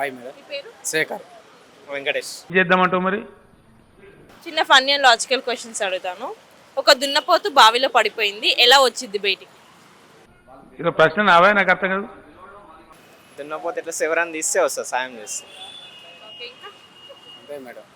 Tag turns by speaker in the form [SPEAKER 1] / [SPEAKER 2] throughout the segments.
[SPEAKER 1] Hi madam.
[SPEAKER 2] మీ పేరు?
[SPEAKER 1] శేఖర్.
[SPEAKER 3] వెంకటేష్.
[SPEAKER 4] చేద్దామంటావు మరి?
[SPEAKER 2] చిన్న ఫన్నీ అండ్ లాజికల్ క్వశ్చన్స్ అడుగుతాను. ఒక దున్నపోతు బావిలో పడిపోయింది, ఎలా వచ్చింది బయటికి?
[SPEAKER 4] ఇక ప్రశ్న నావే, నాకు అర్థం కాదు.
[SPEAKER 3] దున్నపోతే ఎట్లా శివరాన్ని తీస్తే వస్తుంది, సాయం చేస్తే.
[SPEAKER 2] ఓకే, ఇంకా
[SPEAKER 1] అంతే మేడం.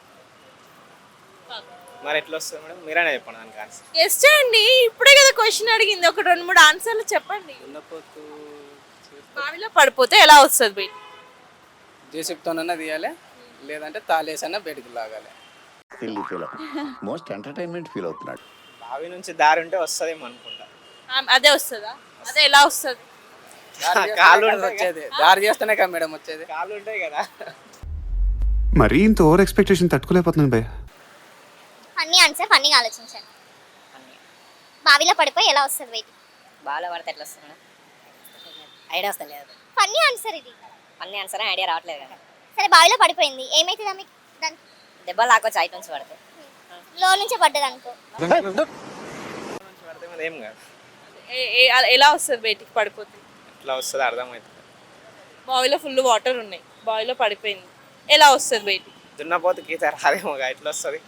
[SPEAKER 3] మరి ఎట్లా వస్తుంది మేడం? మీరైనా చెప్పండి దానికి ఆన్సర్.
[SPEAKER 2] గెస్ చేయండి, ఇప్పుడే కదా క్వశ్చన్ అడిగింది. ఒక 2-3 ఆన్సర్లు చెప్పండి.
[SPEAKER 1] దున్నపోతు
[SPEAKER 2] బావిలో పడిపోతే ఎలా వస్తుంది బయటికి?
[SPEAKER 1] జేసీబీతోనన్నా తీయాలి, లేదంటే తాళేసన్నా బయటికి లాగాలి.
[SPEAKER 5] మోస్ట్ ఎంటర్టైన్మెంట్ ఫీల్ అవుతున్నాడు.
[SPEAKER 3] బావి నుంచి దారి ఉంటే వస్తుందేమో అనుకుంటా.
[SPEAKER 2] అదే వస్తుందా? అదే ఎలా వస్తుంది?
[SPEAKER 3] కాళ్ళు
[SPEAKER 1] వచ్చేది దారి చేస్తేనే కదా మేడం వచ్చేది.
[SPEAKER 3] కాళ్ళు ఉంటాయి కదా.
[SPEAKER 6] మరీ ఇంత ఓవర్ ఎక్స్పెక్టేషన్ తట్టుకోలేకపోతున్నాను భయ్య.
[SPEAKER 7] ఫన్నీ ఆన్సర్, ఫన్నీగా ఆలోచించండి. బావిలో పడిపోయి ఎలా వస్తుంది బయటికి?
[SPEAKER 8] బావిలో పడితే ఎట్లా వస్తుంది? ఐడియా వస్తుంది లేదు.
[SPEAKER 7] ఫన్నీ ఆన్సర్ ఇది.
[SPEAKER 8] ఫన్నీ ఆన్సర్ ఐడియా రావట్లేదు కదా.
[SPEAKER 7] సరే, బావిలో పడిపోయింది, ఏమైతుందా మీకు? దానికి
[SPEAKER 8] దెబ్బలు లాక్కొచ్చి హైట్ నుంచి పడితే
[SPEAKER 7] లో నుంచి పడ్డది అనుకో.
[SPEAKER 3] పడితే మరి ఏం కాదు.
[SPEAKER 2] ఎలా వస్తుంది బయటికి పడిపోతే?
[SPEAKER 3] ఎట్లా వస్తుంది అర్థమవుతుంది.
[SPEAKER 2] బావిలో ఫుల్ వాటర్ ఉన్నాయి, బావిలో పడిపోయింది, ఎలా వస్తుంది బయటికి?
[SPEAKER 3] దున్నపోతే గీత రాదేమో, ఎట్లా వస్తుంది?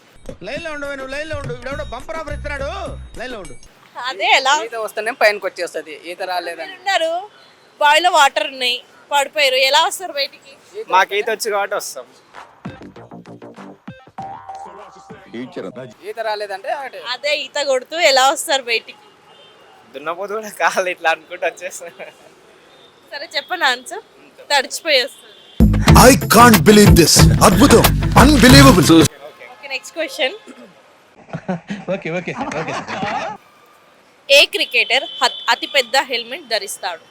[SPEAKER 2] అదే ఎలా
[SPEAKER 1] ఈత వస్తేనే పైనకి వచ్చేస్తుంది. ఈత రాలేదని
[SPEAKER 2] ఉన్నారు, బావిలో వాటర్ ఉన్నాయి, పడిపోయారు, ఎలా వస్తారు బయటికి?
[SPEAKER 3] మాకు ఈత వచ్చి కాబట్టి వస్తాం.
[SPEAKER 1] ఈత రాలేదంటే
[SPEAKER 2] అదే ఈత కొడుతూ ఎలా వస్తారు బయటికి?
[SPEAKER 3] దున్నపోతు కూడా కాళ్ళు ఇట్లా అనుకుంటూ వచ్చేస్తాం.
[SPEAKER 2] సరే చెప్పండి ఆన్సర్. తడిచిపోయి వస్తుంది.
[SPEAKER 9] I can't believe this. అద్భుతం, unbelievable.
[SPEAKER 2] Okay, next question.
[SPEAKER 9] Okay.
[SPEAKER 2] ఏ క్రికెటర్ అతి పెద్ద హెల్మెట్ ధరిస్తాడు?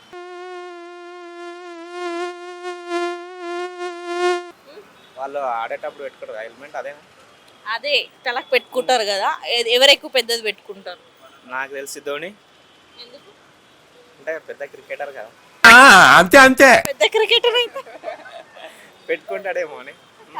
[SPEAKER 3] వాళ్ళు ఆడేటప్పుడు పెట్టుకోరు హెల్మెట్, అదేనా?
[SPEAKER 2] అదే తలకు పెట్టుకుంటారు కదా, ఎవరు ఎక్కువ పెద్దది పెట్టుకుంటారు?
[SPEAKER 3] నాకు తెలిసి ధోని.
[SPEAKER 2] ఎందుకు?
[SPEAKER 3] అంటే పెద్ద క్రికెటర్ కదా,
[SPEAKER 9] అంతే.
[SPEAKER 2] పెద్ద క్రికెటర్ అయితే
[SPEAKER 3] పెట్టుకుంటాడేమో అని.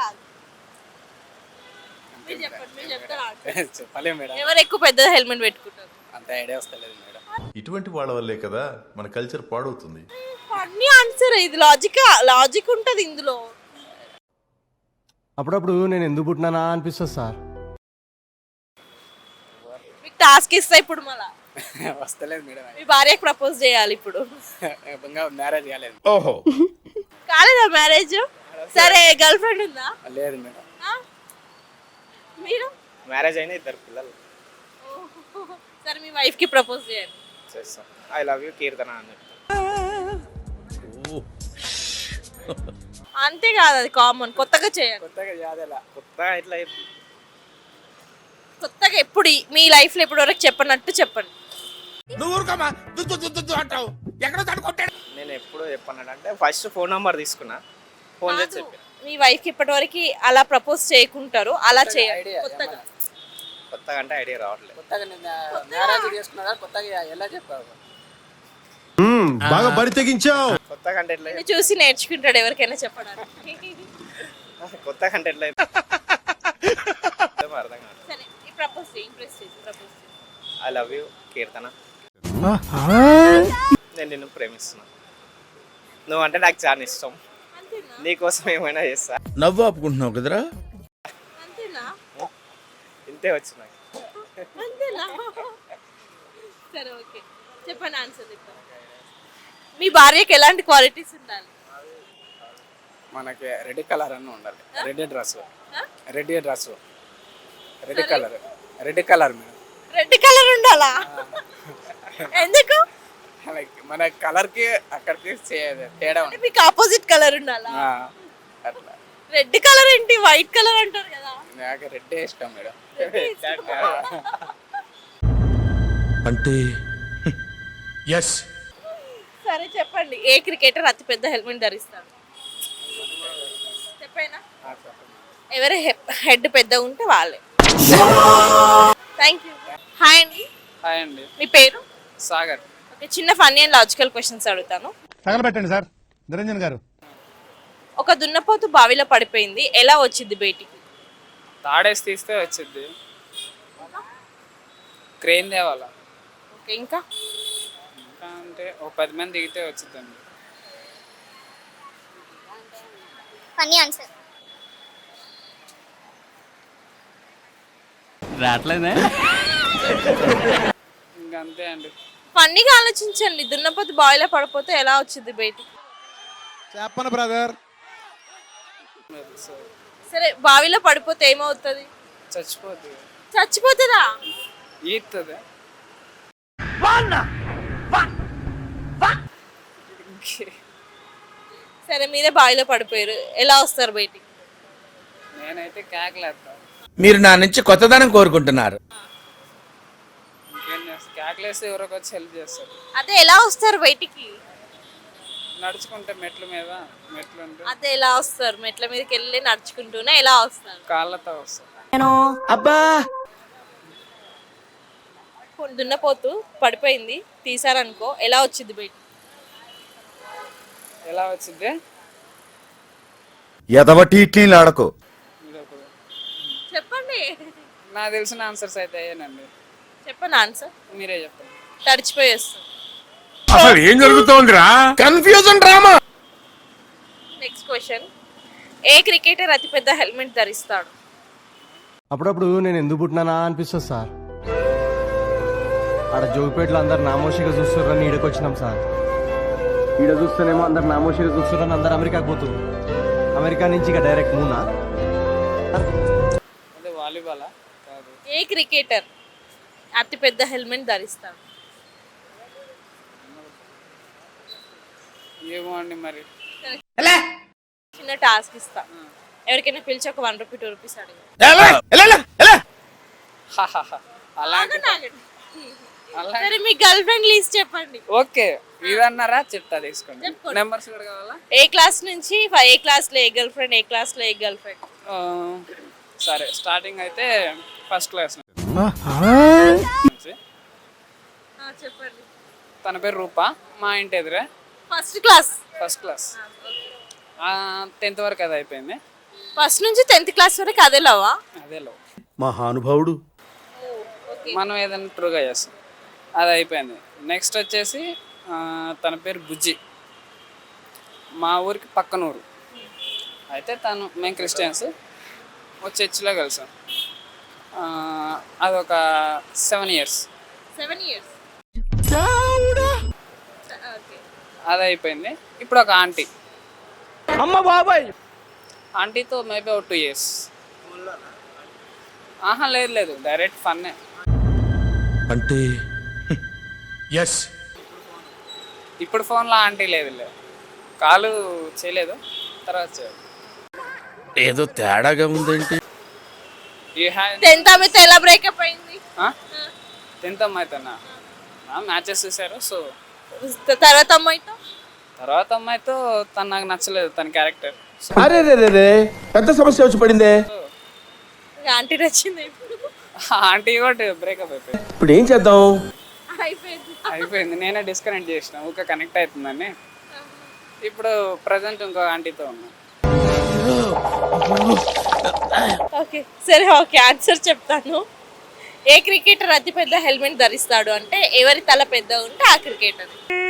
[SPEAKER 2] మీరు చెప్పండి, మీరు చెప్తారా answer?
[SPEAKER 1] చెప్పలే మేడం.
[SPEAKER 2] ఎవరు ఎక్కువ పెద్ద హెల్మెట్ పెట్టుకుంటారు?
[SPEAKER 1] అంత ఐడియా వస్తలేదు మేడం.
[SPEAKER 10] ఇటువంటి వాళ్ళ వల్లే కదా మన కల్చర్ పాడవుతుంది.
[SPEAKER 2] ఫన్నీ ఆన్సర్ ఇది, లాజిక్ ఉంటుంది ఇందులో.
[SPEAKER 9] అప్పుడప్పుడు నేను ఎందుకు పుట్టినానా అనిపిస్తుంది సార్.
[SPEAKER 2] మీకు టాస్క్ ఇస్తా ఇప్పుడు, మళ్ళా
[SPEAKER 1] వస్తలేదు మేడం.
[SPEAKER 2] మీ భార్యకి ప్రపోజ్ చేయాలి ఇప్పుడు.
[SPEAKER 1] ఇంకా మ్యారేజ్ కాలేదు.
[SPEAKER 9] ఓహో,
[SPEAKER 2] కాలేదా మ్యారేజ్? సరే, గర్ల్ ఫ్రెండ్ ఉందా?
[SPEAKER 1] లేదు మేడం.
[SPEAKER 2] ఆ? మీరు?
[SPEAKER 3] మ్యారేజ్ అయినా 2 పిల్లలు.
[SPEAKER 2] సరే, మీ వైఫ్ కి ప్రపోజ్ చేయండి.
[SPEAKER 3] చేస్తాం. ఐ లవ్ యూ కీర్తన అని చెప్తాం.
[SPEAKER 2] అంతే కాదు, అది కామన్. కొత్తగా చేయాలి.
[SPEAKER 1] కొత్తగా యాదలా
[SPEAKER 3] కొత్తగా ఇట్లా
[SPEAKER 2] కొత్తగా ఎప్పుడు మీ లైఫ్ లో ఎప్పుడు వరకు చెప్పనట్టు చెప్పండి.
[SPEAKER 3] నేను ఎప్పుడు చెప్పానంటే ఫస్ట్ ఫోన్ నెంబర్ తీసుకున్నా, ఫోన్ చేసి చెప్పాను.
[SPEAKER 2] మీ వైఫ్ కి ఇప్పటి వరకు అలా ప్రపోజ్ చేయకుంటారు, అలా చేయాలి కొత్తగా.
[SPEAKER 3] కొత్తగా అంటే ఐడియా రావట్లేదు.
[SPEAKER 1] కొత్తగా మ్యారేజ్ చేసుకున్నా, కొత్తగా ఎలా చెప్పావు?
[SPEAKER 9] బాగా బరి తెగించావు.
[SPEAKER 3] కొత్తగా అంటే ఎట్లా
[SPEAKER 2] నిన్ను చూసి నేర్చుకుంటాడు ఎవరికైనా చెప్పడానికి.
[SPEAKER 3] కొత్తగా అంటే ఎట్లా అర్థం కాదు.
[SPEAKER 2] సరే, ఈ ప్రపోజ్ చేయి, ఇంప్రెస్ చేసి ప్రపోజ్ చేయి.
[SPEAKER 3] ఐ లవ్ యూ కీర్తన, నేను నిన్ను ప్రేమిస్తున్నా, నువ్వు అంటే నాకు చాలా ఇష్టం,
[SPEAKER 2] అంతేనా?
[SPEAKER 3] నీకోసం ఏమైనా చేస్తా.
[SPEAKER 9] నవ్వు ఆపుకుంటున్నావు కదరా.
[SPEAKER 2] అంతేనా?
[SPEAKER 3] ఇంతే వచ్చి నాకు.
[SPEAKER 2] అంతేనా? సరే, ఓకే, చెప్పండి ఆన్సర్ చెప్తాను. మీ భార్యకి ఎలాంటి క్వాలిటీస్ ఉండాలి?
[SPEAKER 1] మనకి రెడ్ కలర్ అన్న ఉండాలి. Red dress red colour madam.
[SPEAKER 2] Red colour ఉండాలా? ఎందుకు?
[SPEAKER 1] మన కలర్ కి అక్కడికి తేడా
[SPEAKER 2] అంటే మీకు ఆపోజిట్ కలర్ ఉండాలా?
[SPEAKER 1] అట్లా.
[SPEAKER 2] రెడ్ కలర్ ఏంటి, వైట్ కలర్ అంటారు కదా.
[SPEAKER 1] నాకు రెడ్ ఇష్టం మేడం.
[SPEAKER 9] అంటే ఎస్.
[SPEAKER 2] సరే చెప్పండి, ఏ క్రికెటర్ అతి పెద్ద హెల్మెట్ ధరిస్తాడు? చెప్పైనా ఎవరి హెడ్ పెద్దగా ఉంటే వాళ్ళే. Thank you. హాయ్ అండి.
[SPEAKER 1] హాయ్ అండి.
[SPEAKER 2] మీ పేరు?
[SPEAKER 1] సాగర్.
[SPEAKER 2] ఓకే, చిన్న ఫన్నీ అండ్ లాజికల్ క్వశ్చన్స్ అడుగుతాను.
[SPEAKER 9] తగలబెట్టండి సార్ నిరంజన్ గారు.
[SPEAKER 2] ఒక దున్నపోతు బావిలో పడిపోయింది, ఎలా వచ్చింది బయటికి?
[SPEAKER 1] తాడేసి తీస్తే వచ్చింది. క్రెయిన్ తేవాలా.
[SPEAKER 2] ఓకే, ఇంకా
[SPEAKER 1] అంటే ఒక 10 మంది దిగితే వచ్చిందండి.
[SPEAKER 7] Funny answer.
[SPEAKER 1] ఇంకా అంతే అండి.
[SPEAKER 2] ఫన్నీగా ఆలోచించండి. దున్నపోతు బావిలో పడిపోతే ఎలా వచ్చింది బయటికి?
[SPEAKER 9] చెప్పను బ్రదర్.
[SPEAKER 2] సరే, బావిలో పడిపోతే ఏమవుతుంది?
[SPEAKER 1] చచ్చిపోతుంది.
[SPEAKER 2] చచ్చిపోతుందా?
[SPEAKER 1] ఈతుంది.
[SPEAKER 2] సరే, మీరే బావిలో పడిపోయారు, ఎలా వస్తారు బయటికి?
[SPEAKER 1] నేనైతే కేకలేస్తాను.
[SPEAKER 9] మీరు నా నుంచి కొత్తదనం కోరుకుంటున్నారు.
[SPEAKER 1] ఇంకేం చేస్తాను, కేకలేస్తే ఎవరికి వచ్చి హెల్ప్ చేస్తారు.
[SPEAKER 2] అదే ఎలా వస్తారు బయటికి?
[SPEAKER 1] నడుచుకుంటే మెట్లు మీద, మెట్లు ఉంటే
[SPEAKER 2] అదే ఎలా వస్తారు? మెట్ల మీదకి వెళ్ళి నడుచుకుంటూనే ఎలా వస్తారు?
[SPEAKER 1] కాళ్ళతో వస్తారు.
[SPEAKER 9] అబ్బా
[SPEAKER 2] దున్నపోతు పడిపోయింది, తీసారనుకో, ఎలా వచ్చింది బయటికి?
[SPEAKER 1] ఎలా వచ్చింది?
[SPEAKER 9] ఎదవటి ఇట్లీలు ఆడకు.
[SPEAKER 2] చెప్పండి.
[SPEAKER 1] నాకు తెలిసిన ఆన్సర్స్ అయితే అయ్యానండి.
[SPEAKER 2] చెప్పండి ఆన్సర్.
[SPEAKER 1] మీరే చెప్పండి.
[SPEAKER 2] తడిచిపోయి వస్తుంది.
[SPEAKER 4] అసలు ఏం జరుగుతోందిరా?
[SPEAKER 9] Confusion drama.
[SPEAKER 2] Next question. ఏ క్రికెటర్ అతిపెద్ద హెల్మెట్ ధరిస్తాడు?
[SPEAKER 11] అప్పుడప్పుడు నేను ఎందుకు పుట్టినానా అనిపిస్తుంది సార్. ఆడ జోగిపేటలో అందరు నామోషిగా చూస్తున్నారని ఈడకి వచ్చినాం సార్. ఈడ చూస్తేనేమో అందరు నామోషిగా చూస్తున్నారని అందరు అమెరికాకి పోతుంది. అమెరికా నుంచి ఇక డైరెక్ట్ మూనా.
[SPEAKER 1] అదే వాలీబాలా? కాదు.
[SPEAKER 2] ఏ క్రికెటర్ అతిపెద్ద హెల్మెట్ ధరిస్తాడు?
[SPEAKER 1] ఏమో అండి మరి.
[SPEAKER 2] చిన్న టాస్క్ ఇస్తా. ఎవరికైనా పిలిచి ఒక 1 రూపీ 2 రూపీస్ అడిగి.
[SPEAKER 1] అలాంటి
[SPEAKER 2] సరే, మీ గర్ల్ ఫ్రెండ్ లిస్ట్ చెప్పండి.
[SPEAKER 1] ఓకే, ఇదన్నారా? చెప్తా, తీసుకోండి.
[SPEAKER 2] చెప్పుకోండి.
[SPEAKER 1] నెంబర్స్ కూడా కావాలా?
[SPEAKER 2] ఏ క్లాస్ నుంచి ఏ క్లాస్ లో ఏ గర్ల్ ఫ్రెండ్, ఏ క్లాస్ లో ఏ గర్ల్ ఫ్రెండ్?
[SPEAKER 1] సరే, స్టార్టింగ్ అయితే ఫస్ట్ క్లాస్ నుంచి.
[SPEAKER 2] చెప్పండి.
[SPEAKER 1] తన పేరు రూపా, మా ఇంటి ఎదురే.
[SPEAKER 2] First class.
[SPEAKER 1] First class 10th వరకు అది అయిపోయింది.
[SPEAKER 2] ఫస్ట్ నుంచి 10th క్లాస్ వరకు అదే లవా?
[SPEAKER 1] అదే లో
[SPEAKER 9] మహానుభావుడు.
[SPEAKER 1] మనం ఏదైనా ట్రూగా చేస్తాం, అది అయిపోయింది. నెక్స్ట్ వచ్చేసి తన పేరు బుజ్జి, మా ఊరికి పక్కన ఊరు. అయితే మేము క్రిస్టియన్స్, ఒక చర్చిలో కలిసాం. అదొక 7 years.
[SPEAKER 2] 7 years.
[SPEAKER 1] అది అయిపోయింది. ఇప్పుడు ఒక ఆంటీ.
[SPEAKER 11] అమ్మ బాబాయ్.
[SPEAKER 1] ఆంటీతో మేబీ ఒక 2 years. ఆహా, లేదు, డైరెక్ట్ ఫన్నే.
[SPEAKER 9] అంటే ఎస్.
[SPEAKER 1] ఇప్పుడు ఫోన్లో ఆంటీ లేదు, కాలు చేయలేదు, తర్వాత చేయాలి.
[SPEAKER 9] ఏదో తేడాగా ఉందేంటి?
[SPEAKER 2] 10th ఆమెతో ఎలా బ్రేకప్ అయింది?
[SPEAKER 1] 10th అమ్మాయితోనా? మ్యాచెస్ చూసారు. సో
[SPEAKER 2] తర్వాత అమ్మాయితో?
[SPEAKER 1] తర్వాత అమ్మాయితో తను నాకు నచ్చలేదు, తన క్యారెక్టర్.
[SPEAKER 9] అరే రే పెద్ద సమస్య వచ్చి పడిందే.
[SPEAKER 2] ఆంటీ నచ్చింది. ఇప్పుడు
[SPEAKER 1] ఆంటీ కూడా బ్రేకప్ అయిపోయింది.
[SPEAKER 9] ఇప్పుడు ఏం చేద్దాం?
[SPEAKER 1] అయిపోయింది. నేనే డిస్కనెక్ట్ చేసిన, ఊక కనెక్ట్ అవుతుందని. ఇప్పుడు ప్రజెంట్ ఇంకో ఆంటీతో ఉన్నా.
[SPEAKER 2] ఓకే, సరే, ఓకే, ఆన్సర్ చెప్తాను. ఏ క్రికెటర్ అతిపెద్ద హెల్మెట్ ధరిస్తాడు అంటే ఎవరి తల పెద్ద ఉంటే ఆ క్రికెటర్.